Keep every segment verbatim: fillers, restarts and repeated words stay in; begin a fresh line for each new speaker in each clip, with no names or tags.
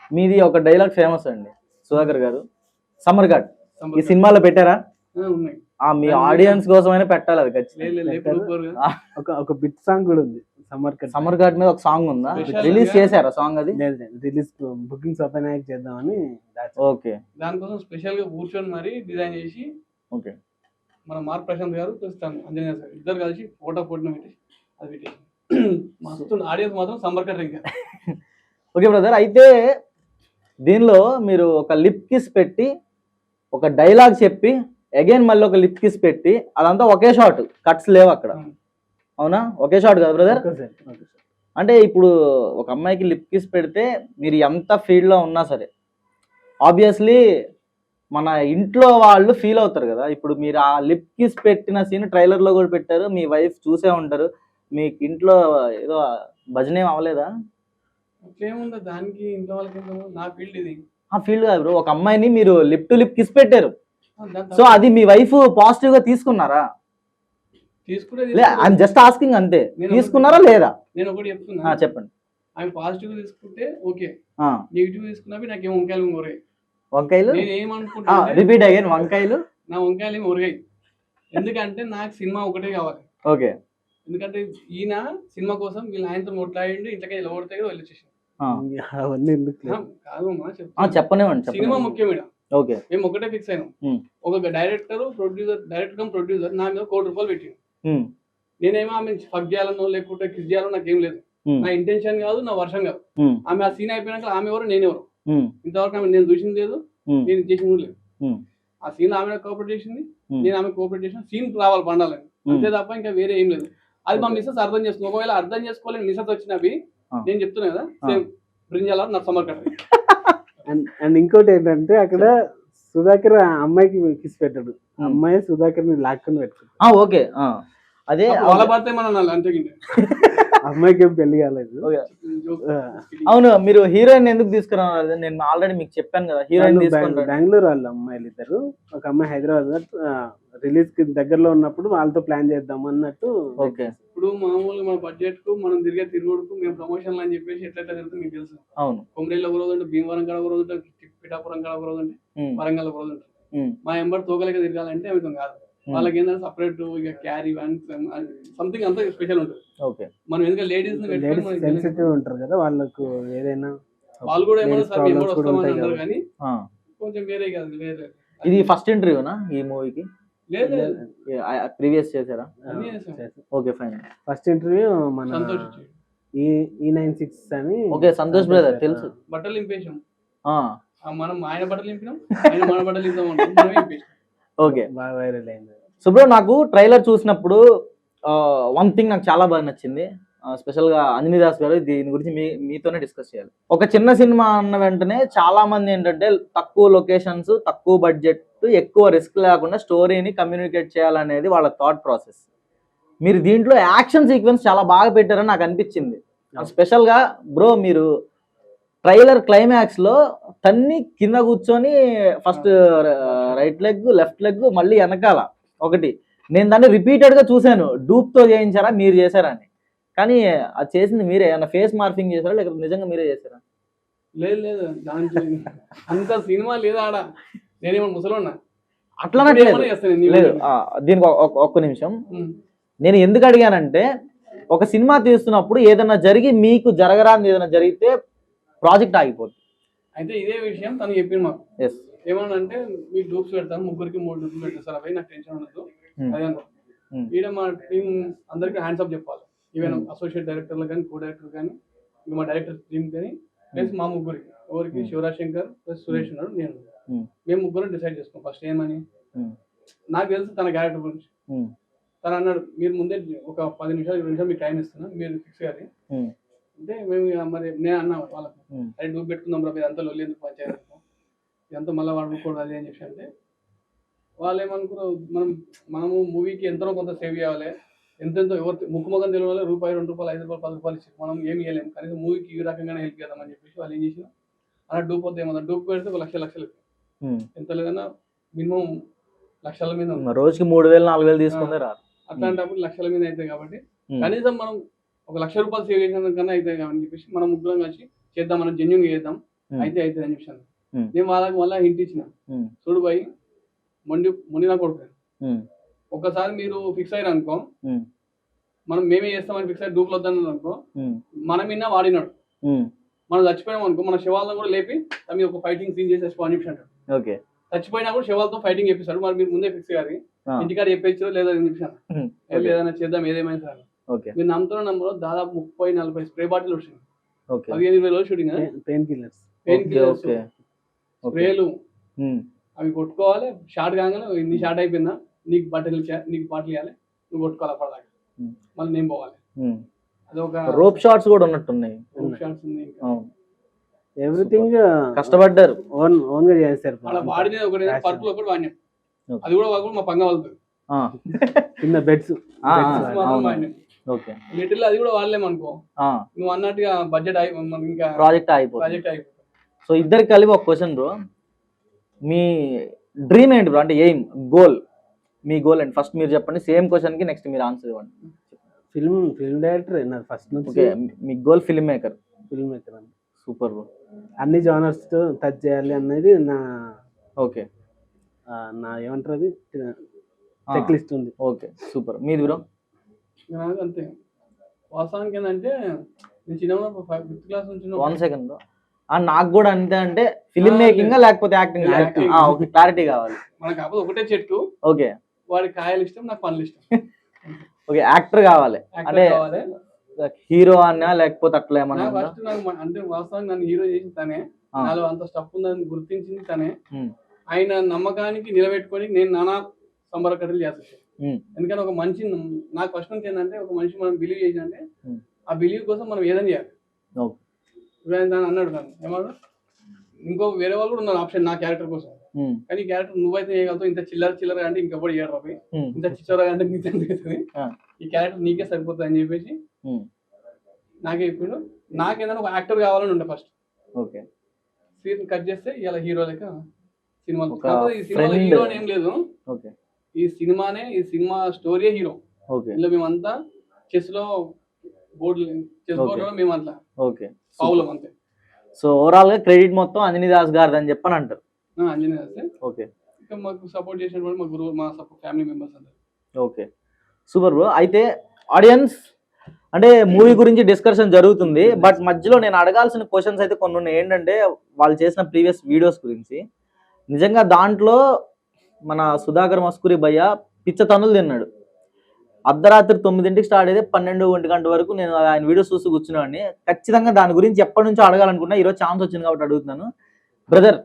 మీది ఒక dialogue famous అండి సుధాకర్ గారు, సమ్మర్ ఘాట్ ఈ సినిమాలో పెట్టారా? మీ ఆడియన్స్ కోసమైనా పెట్టాలి అది ఖచ్చితంగా.
ఒక బిట్ సాంగ్ కూడా ఉంది సమ్మర్ ఘాట్.
సమ్మర్ ఘాట్ మీద ఒక సాంగ్ ఉందా? రిలీజ్ చేశారా సాంగ్? అది
రిలీజ్ బుకింగ్స్ ఓపెన్ అయ్యాక చేద్దామని.
ఓకే,
దానికోసం స్పెషల్ గా కూర్చొని మరి డిజైన్ చేసి
ఓకే
మన మార్ ప్రశాంత్ గారు అంజనేయ సార్ ఇద్దరు కలిసి ఫోటో ఫోటో పెట్టి అది పెట్టేసి మస్తు ఆడియన్స్ మాత్రం సమ్మర్ ఘాట్ ఇంకా.
ఓకే బ్రదర్, అయితే దీనిలో మీరు ఒక లిప్ కిస్ పెట్టి ఒక డైలాగ్ చెప్పి అగైన్ మళ్ళీ ఒక లిప్ కిస్ పెట్టి అదంతా ఒకే షాట్, కట్స్ లేవు అక్కడ, అవునా? ఒకే షాట్ కదా బ్రదర్? అంటే ఇప్పుడు ఒక అమ్మాయికి లిప్ కిస్ పెడితే మీరు ఎంత ఫీల్డ్లో ఉన్నా సరే ఆబ్వియస్లీ మన ఇంట్లో వాళ్ళు ఫీల్ అవుతారు కదా. ఇప్పుడు మీరు ఆ లిప్ కిస్ పెట్టిన సీన్ ట్రైలర్లో కూడా పెట్టారు, మీ వైఫ్ చూసే ఉంటారు, మీకు ఇంట్లో ఏదో భజన ఏం అవ్వలేదా?
ఏముందా దానికి ఇంట్లో వాళ్ళకి నా ఫీల్డ్ ఇది.
ఆ ఫీల్డ్ కాదు బ్రో, ఒక అమ్మాయిని మీరు లిప్ టు లిప్ కిస్ పెట్టారు, సో అది మీ వైఫ్ పాజిటివ్ గా తీసుకున్నారా? ఐఎమ్ జస్ట్ ఆస్కింగ్ అంతే, తీసుకున్నారా లేదా?
నేను ఒకటి చెప్తున్నా,
చెప్పండి.
ఆయన పాజిటివ్ గా తీసుకుంటే ఓకే, నెగిటివ్ తీసుకున్నవి నాకేం వంకాయలు ఊరాయి.
వంకాయలు
నేను ఏమనుకుంటా
రిపీట్ అయ్యాను, వంకాయలు
నా వంకాయలు ఏమి ఊరాయి. ఎందుకంటే నాకు సినిమా ఒకటే కావాలి.
ఓకే,
ఎందుకంటే ఈయన సినిమా కోసం వీళ్ళు ఆయనతో కొట్లాడి ఇంతకే ఇలా ఓడితే వెళ్ళి వచ్చేసాను. కాదు
చెప్పనివ్వండి,
సినిమా ముఖ్యం ఇక్కడ.
ఓకే,
మేము ఒకటే ఫిక్స్ అయినాం. ఒక director producer director cum producer నా మీద కోటి రూపాయలు పెట్టింది. నేనేమో ఆమె ఫక్ చేయాలనో లేకుంటే కిస్ చేయాలో నాకేం లేదు, నా ఇంటెన్షన్ కాదు, నా వర్షం కాదు. ఆమె ఆ సీన్ అయిపోయినాక ఆమె ఎవరు నేను ఎవరు ఇంతవరకు ఆమె నేను చూసింది లేదు, నేను చేసింది లేదు. ఆ సీన్ ఆమె కోఆపరేట్ చేసింది, నేను ఆమె కోఆపరేట్ చేసిన, సీన్ రావాలి పండాలని, అంతే తప్ప ఇంకా వేరే ఏం లేదు. అది మా మిస్సెస్ అర్థం చేసుకున్నాం. ఒకవేళ అర్థం చేసుకోలేని మిస్సెస్ వచ్చినవి నేను చెప్తున్నా కదా, సేమ్ బ్రింజాల నా సమ్మర్ ఘాట్.
అండ్ ఇంకోటి ఏంటంటే అక్కడ సుధాకర్ అమ్మాయికి కిస్ పెట్టాడు, అమ్మాయి సుధాకర్ ని లాక్కుని పెట్టుకుంటాడు.
ఓకే, అదే
వాళ్ళ పడితే మనం అంతే
అమ్మాయికి ఏం పెళ్లి కాలేదు.
అవును, మీరు హీరోయిన్ ఎందుకు తీసుకురావాలి? నేను ఆల్రెడీ మీకు చెప్పాను కదా, హీరోయిన్
బెంగళూరు వాళ్ళు అమ్మాయిలు ఇద్దరు, ఒక అమ్మాయి హైదరాబాద్ రిలీజ్ కి దగ్గరలో ఉన్నప్పుడు వాళ్ళతో ప్లాన్ చేద్దాం అన్నట్టు.
ఓకే,
ఇప్పుడు మామూలుగా మన బడ్జెట్ కు మనం తిరిగే తిరుగుడుకు మేము ప్రమోషన్ అని చెప్పేసి ఎట్లయితే తిరుగుతుంది మీకు తెలుసు.
అవును,
కొమరేలో ఒక రోజు అంటే భీమవరం కాడ ఒక రోజు అంటే పిఠాపురం కాడ ఒక రోజు అంటే వరంగల్ ఒక రోజు ఉంటుంది. మా ఎంబర్ తోకలేక తిరగాలంటే అవి కాదు, వాళ్ళకి ఏంటంటే సపరేట్ ఇక క్యారీ సంథింగ్ అంతా స్పెషల్ ఉంటుంది.
ఓకే,
మనం ఎందుకంటే లేడీస్
సెన్సిటివ్ ఉంటారు కదా వాళ్ళకు, ఏదైనా
వాళ్ళు కూడా ఏమైనా సార్ ఎంబర్ వస్తామని అంటారు కానీ కొంచెం వేరే కాదు. వేరే
ఇది ఫస్ట్ ఇంటర్వ్యూనా ఈ మూవీకి?
లేదు,
ప్రీవియస్ చేశారా? Okay fine.
ఫస్ట్ ఇంటర్వ్యూ మన ఈ నైన్ సిక్స్ అని.
ఓకే, సంతోష్ బ్రదర్ తెలుసు.
బట్టలు నింపేసాం మనం, ఆయన బట్టలు నింపినాం, ఆయన మన బట్టలు నింపాం.
ఓకే,
బాగా వైరల్ అయింది.
సో బ్రో, నాకు ట్రైలర్ చూసినప్పుడు వన్ థింగ్ నాకు చాలా బాగా నచ్చింది, స్పెషల్ గా అంజనీ దాస్ గారు దీని గురించి మీ మీతోనే డిస్కస్ చేయాలి. ఒక చిన్న సినిమా అన్న వెంటనే చాలా మంది ఏంటంటే తక్కువ లొకేషన్స్, తక్కువ బడ్జెట్, ఎక్కువ రిస్క్ లేకుండా స్టోరీని కమ్యూనికేట్ చేయాలనేది వాళ్ళ థాట్ ప్రాసెస్. మీరు దీంట్లో యాక్షన్ సీక్వెన్స్ చాలా బాగా పెట్టారని నాకు అనిపించింది. స్పెషల్ గా బ్రో, మీరు ట్రైలర్ క్లైమాక్స్ లో తన్ని కింద కూర్చొని first right leg left leg మళ్ళీ వెనకాల ఒకటి, నేను దాన్ని రిపీటెడ్ గా చూశాను. డూప్ తో చేయించారా మీరు చేశారా అని, కానీ అది చేసింది మీరే. ఏమన్నా ఫేస్ మార్ఫింగ్ చేశారా లేకపోతే నిజంగా మీరే చేశారా?
లేదు లేదు, దాంట్లో అంత సినిమా లేదా ఆడ, నేనేమో ముసలోన్నా
అట్లా లేదు. దీనికి ఒక్క నిమిషం, నేను ఎందుకు అడిగానంటే ఒక సినిమా తీస్తున్నప్పుడు ఏదైనా జరిగి మీకు జరగరాని ఏదైనా జరిగితే ప్రాజెక్ట్ ఆగిపోతుంది.
అయితే ఇదే విషయం తను చెప్పింది మాకు. ఏమనంటే మీకు డూప్స్ పెడతాను, ముగ్గురికి మూడు డూప్స్ పెడతాను సార్, అవి నాకు టెన్షన్ ఉండదు. అదే ఈడ మా టీం అందరికి హ్యాండ్స్ అప్ చెప్పాలి, ఈవెన్ అసోసియేట్ డైరెక్టర్లు కానీ, కో డైరెక్టర్ కానీ, ఇంకా మా డైరెక్టర్ టీమ్ కానీ, ప్లస్ మా ముగ్గురికి, ఎవరికి శివరాజ్ శంకర్ ప్లస్ సురేష్ ఉన్నాడు, నేను, మేము ముగ్గురు డిసైడ్ చేసుకోం ఫస్ట్ ఏమని. నాకు తెలుసు తన క్యారెక్టర్ గురించి. తను అన్నాడు, మీరు ముందే ఒక పది నిమిషాలు ఇరవై నిమిషాలు మీకు టైం ఇస్తున్నా, మీరు ఫిక్స్ కాదు అంటే మేము మరి నేను అన్నా వాళ్ళకి, అది డూప్ పెట్టుకుందాం రా, ఇదంతా లొల్లి ఎందుకు పంచాయతీ, ఇదంతా మళ్ళీ వాడుకోకూడదు అది అని చెప్పి. అంటే వాళ్ళు ఏమనుకున్నారు, మనం మనము మూవీకి ఎంతో కొంత సేవ్ చేయాలి, ఎంతెంతో ఎవరు ముక్కు ముఖం తెలియాలి, రూపాయి రెండు రూపాయలు ఐదు రూపాయలు పది రూపాయలు ఇచ్చి మనం ఏమి ఇవ్వలేము, కనీసం మూవీకి ఈ రకంగానే హెల్ప్ చేద్దామని చెప్పేసి వాళ్ళు ఏం చేసినా అలా డూప్ వద్ద ఏమన్నా డూప్ పెడితే ఒక లక్ష లక్షలు ఎంత లేదన్నా మినిమం లక్షల మీద,
రోజుకి మూడు వేలు నాలుగు వేలు తీసుకుంటారు.
అట్లాంటప్పుడు లక్షల మీద అవుతాయి కాబట్టి కనీసం మనం ఒక లక్ష రూపాయలు సేవ్ చేసిన కన్నా అవుతాయి కాబట్టి చెప్పేసి మనం ముగ్గురం కలిసి చేద్దాం, మనం జెన్యున్గా చేద్దాం, అయితే అయితే అని చెప్పాను.
Hmm.
నేను వాళ్ళకి మళ్ళీ హింట్ ఇచ్చిన,
Hmm.
చూడు భయ్ మొండి మొండి నా కొడుకు,
Hmm.
ఒక్కసారి మీరు ఫిక్స్ అయ్యారు అనుకో,
Hmm.
మనం మేమే చేస్తామని ఫిక్స్ అయ్యి డూప్లు వద్దన్నారు అనుకో,
Hmm.
మనం విన్నా వాడినాడు,
Hmm.
మనం చచ్చిపోయాం అనుకో మన శవాలను కూడా లేపి తమ ఒక ఫైటింగ్ సీన్ చేసి చచ్చిపో అని చెప్పాడు.
ఓకే.
చచ్చిపోయినా కూడా శవాలతో ఫైటింగ్ చేపిస్తాడు. మరి మీరు ముందే ఫిక్స్ అయ్యారు,
Ah.
ఇంటికాడ చెప్పేచ్చు లేదా అని చెప్పాను.
Hmm.
వెళ్ళి ఏదైనా చేద్దాం ఏదేమైనా సార్,
ఓకే.
మీరు నమ్ముతున్న నంబర్ దాదాపు ముప్పై నలభై స్ప్రే బాటిల్ వచ్చింది.
ఓకే.
పదిహేను ఇరవై రోజులు shooting,
pain killers.
Pain
okay.
Killers,
okay.
స్ప్రేలు,
Hmm.
అవి కొట్టుకోవాలి. షార్ట్ కాగానే నీ షార్ట్ అయిపోయిందా, నీకు బట్టలు ఇచ్చా, నీకు బాటిల్ ఇవ్వాలి, నువ్వు కొట్టుకోవాలి అప్పటిదాకా,
Hmm.
మళ్ళీ నేను పోవాలి.
Hmm.
అదొక
రోప్ షాట్స్ కూడా ఉన్నట్టున్నాయి.
షార్ట్స్ ఉంది. ఇంకా
అవును.
ఎవ్రీథింగ్
కష్టపడ్డారు.
ఓన్ ఓన్ గా చేస్తారు.
అలా వాడినది ఒకటి పర్పుల్ ఒకటి వాడినాం,
Okay.
అది కూడా వాళ్ళు మా పంగ వెళ్తుంది.
ఆ.
కింద బెడ్స్.
ఆ,
మాత్రం
అవును.
వాడినాం.
ఓకే.
లిటిల్ అది కూడా వాడలేమనుకో,
ఆ.
నువ్వు అన్నట్టుగా బడ్జెట్ అయి మనకి ఇంకా
ప్రాజెక్ట్ అయిపోతుంది.
ప్రాజెక్ట్ అయిపోతుంది.
సో ఇద్దరికి కలిపి ఒక క్వశ్చన్ బ్రో, మీ డ్రీమ్ ఏంటి బ్రో, అంటే ఎయిమ్, గోల్, మీ గోల్ ఏంటి ఫస్ట్ మీరు చెప్పండి. సేమ్ క్వశ్చన్ కి నెక్స్ట్ మీరు ఆన్సర్ ఇవ్వండి.
ఫిల్మ్ ఫిల్మ్ డైరెక్టర్ నా ఫస్ట్ నుంచి.
ఓకే. మీ goal film maker.
Film maker అని
సూపర్ బ్రో.
అన్ని జానర్స్ తో టచ్ చేయాలి అనేది నా
ఓకే.
ఆ, నా ఏమంటారు అది చెక్ లిస్ట్ ఉంది.
Okay super. మీది బ్రో?
నాకు అంతే. వాస్తవానికి ఏంటంటే నేను చిన్నప్పుడు ఫిఫ్త్ క్లాస్ నుంచి
వన్ సెకండ్ బ్రో. నాకు కూడా అంతే, అంటే ఫిల్మ్ మేకింగ్ లేకపోతే యాక్టింగ్?
Acting.
ఓకే, క్లారిటీ కావాలి.
మనకు కాకపోతే ఒకటే చెట్టు,
ఓకే.
వాడి కాయలు ఇష్టం, నాకు పనులు ఇష్టం.
ఓకే, యాక్టర్ కావాలి
Actor
అంటే
కావాలి.
హీరో అన్నా లేకపోతే అట్లా ఏమన్నా
నాకు
ఉందా?
ఫస్ట్ నాకు మ- అంటే వాస్తవానికి నన్ను హీరో చేసింది తనే,
ఆ.
నాలో అంత స్టఫ్ ఉందని గుర్తించింది తనే.
ఉమ్.
ఆయన నమ్మకానికి నిలబెట్టుకొని నేను నానా సంబర కట్టలు చేస్తాను.
ఉమ్.
ఎందుకంటే ఒక మనిషి నాకు ఫస్ట్ నుంచి ఏంటంటే ఒక మనిషి మనం బిలీవ్ చేసినంటే
ఉమ్.
ఆ బిలీవ్ కోసం మనం ఏదైనా చేయాలి.
ఓకే.
ఇప్పుడు ఆయన దాన్ని అన్నాడు నన్ను ఏమన్నా, ఇంకో వేరే వాళ్ళు కూడా ఉన్నారు ఆప్షన్ నా క్యారెక్టర్ కోసం,
ఉమ్.
కానీ ఈ క్యారెక్టర్ నువ్వైతే చేయగలుగుతావు, ఇంత చిల్లర చిల్లర అంటే ఇంకెప్పుడు చేయడం,
ఉమ్.
ఇంత చిచ్చర అంటే నీకు అవుతుంది,
ఆ.
ఈ క్యారెక్టర్ నీకే సరిపోతుంది అని చెప్పేసి
ఉమ్.
నాకే ఇప్పుడు నాకేదైనా ఒక యాక్టర్ కావాలని ఉండే ఫస్ట్.
ఓకే.
సీన్ కట్ చేస్తే ఇలా హీరో లెక్క సినిమాలు,
ఒక
కాకపోతే ఈ సినిమాలో
friend.
హీరో అని ఏం లేదు,
ఓకే.
ఈ సినిమానే ఈ సినిమా స్టోరీయే హీరో.
ఓకే.
ఇందులో మేమంతా చెస్ లో బోర్డు చెస్
Okay.
బోర్డు లో మేము అట్లా
ఓకే.
పావులం అంతే.
సో ఓవరాల్ గా క్రెడిట్ మొత్తం అంజనీ దాస్ గారిది అని చెప్పని అంటారు.
ఆ, అంజనీ వస్తే
ఓకే.
ఇంకా మాకు సపోర్ట్ చేసినటువంటి మా గురువు, మా ఫ్యామిలీ మెంబర్స్ అందరు.
Okay super bro. అయితే ఆడియన్స్ అంటే మూవీ గురించి డిస్కషన్ జరుగుతుంది, బట్ మధ్యలో నేను అడగాల్సిన క్వశ్చన్స్ అయితే కొన్ని ఉన్నాయి. ఏంటంటే వాళ్ళు చేసిన ప్రీవియస్ వీడియోస్ గురించి. నిజంగా దాంట్లో మన సుధాకర్ మస్కూరి భయ్య పిచ్చ తనులు తిన్నాడు. అర్ధరాత్రి తొమ్మిదింటికి స్టార్ట్ అయితే పన్నెండు ఒంటి గంట వరకు నేను ఆయన వీడియోస్ చూస్తూ కూర్చున్నాను. ఖచ్చితంగా దాని గురించి ఎప్పటి నుంచో అడగాలనుకున్నా, ఈరోజు ఛాన్స్ వచ్చింది కాబట్టి అడుగుతున్నాను. బ్రదర్,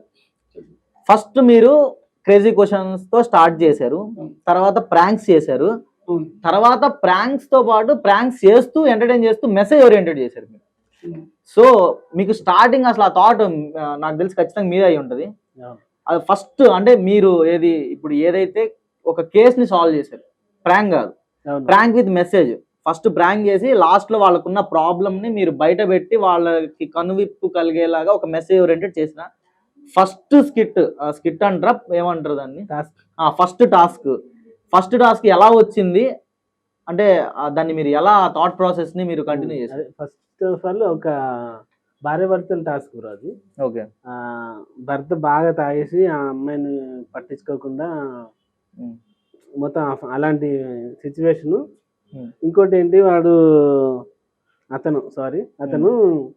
ఫస్ట్ మీరు క్రేజీ క్వశ్చన్స్ తో స్టార్ట్ చేశారు, తర్వాత ప్రాంక్స్ చేశారు,
అవును.
తర్వాత ప్రాంక్స్ తో పాటు ప్రాంక్స్ చేస్తూ ఎంటర్టైన్ చేస్తూ మెసేజ్ ఓరియంటెడ్ చేశారు మీరు.
ఉమ్.
సో మీకు స్టార్టింగ్ అసలు ఆ థాట్ నాకు తెలిసి ఖచ్చితంగా మీదే అయి ఉంటుంది. అది ఫస్ట్ అంటే మీరు ఏది ఇప్పుడు ఏదైతే ఒక కేసుని సాల్వ్ చేశారు, ప్రాంక్ కాదు, prank with message. First prank చేసి లాస్ట్ లో వాళ్ళకున్న ప్రాబ్లమ్ ని మీరు బయట పెట్టి వాళ్ళకి కనువిప్పు కలిగేలాగా ఒక మెసేజ్ ఓరియంటెడ్ చేసిన ఫస్ట్ స్కిట్ స్కిట్ అంటారా ఏమంటారు దాన్ని, ఫస్ట్ టాస్క్ ఫస్ట్ టాస్క్ ఎలా వచ్చింది అంటే ఆ, దాన్ని మీరు ఎలా థాట్ ప్రాసెస్ ని మీరు కంటిన్యూ చేశారు?
ఫస్ట్ ఆఫ్ ఆల్ ఒక భార్య భర్తల టాస్క్ బ్రో అది.
ఓకే.
ఆ, భర్త బాగా తాగేసి ఆ అమ్మాయిని పట్టించుకోకుండా
ఉమ్.
మొత్తం ఆ- అలాంటి సిచ్యువేషన్.
ఉమ్.
ఇంకోటి ఏంటి, వాడు అతను సారీ అతను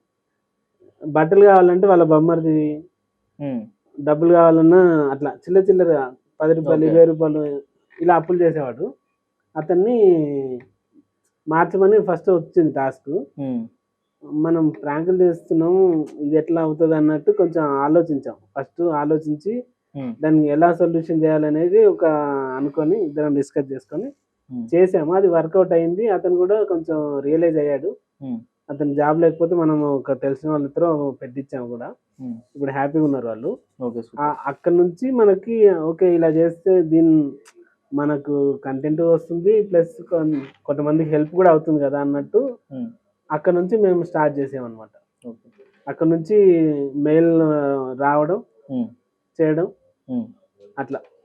బట్టలు కావాలంటే వాళ్ళ బొమ్మరిది
ఉమ్.
డబ్బులు కావాలన్నా అట్లా చిల్ల చిల్లర పది రూపాయలు
Okay.
ఇరవై రూపాయలు ఇలా అప్పులు చేసేవాడు. అతన్ని మార్చమని ఫస్ట్ వచ్చింది టాస్క్.
ఉమ్.
మనం ప్రాంకులు చేస్తున్నాం, ఇది ఎట్లా అవుతుంది అన్నట్టు కొంచెం ఆలోచించాం. ఫస్ట్ ఆలోచించి
ఉమ్.
దాన్ని ఎలా సొల్యూషన్ చేయాలనేది ఒక అనుకొని ఇద్దరం డిస్కస్ చేసుకొని
ఉమ్.
చేసాము. అది వర్కౌట్ అయింది. అతను కూడా కొంచెం రియలైజ్ అయ్యాడు.
ఉమ్.
అతను జాబ్ లేకపోతే మనం ఒక తెలిసిన వాళ్ళతో పెట్టించాము కూడా.
ఉమ్.
ఇప్పుడు హ్యాపీగా ఉన్నారు వాళ్ళు.
Okay super.
ఆ- అక్కడ నుంచి మనకి ఓకే ఇలా చేస్తే దీని మనకు కంటెంట్ వస్తుంది, ప్లస్ కొంతమందికి హెల్ప్ కూడా అవుతుంది కదా అన్నట్టు
ఉమ్.
అక్కడ నుంచి మేము స్టార్ట్ చేసామన్నమాట.
ఓకే.
అక్కడ నుంచి మెయిల్ రావడం
ఉమ్.
చేయడం
ఉమ్.
అట్లా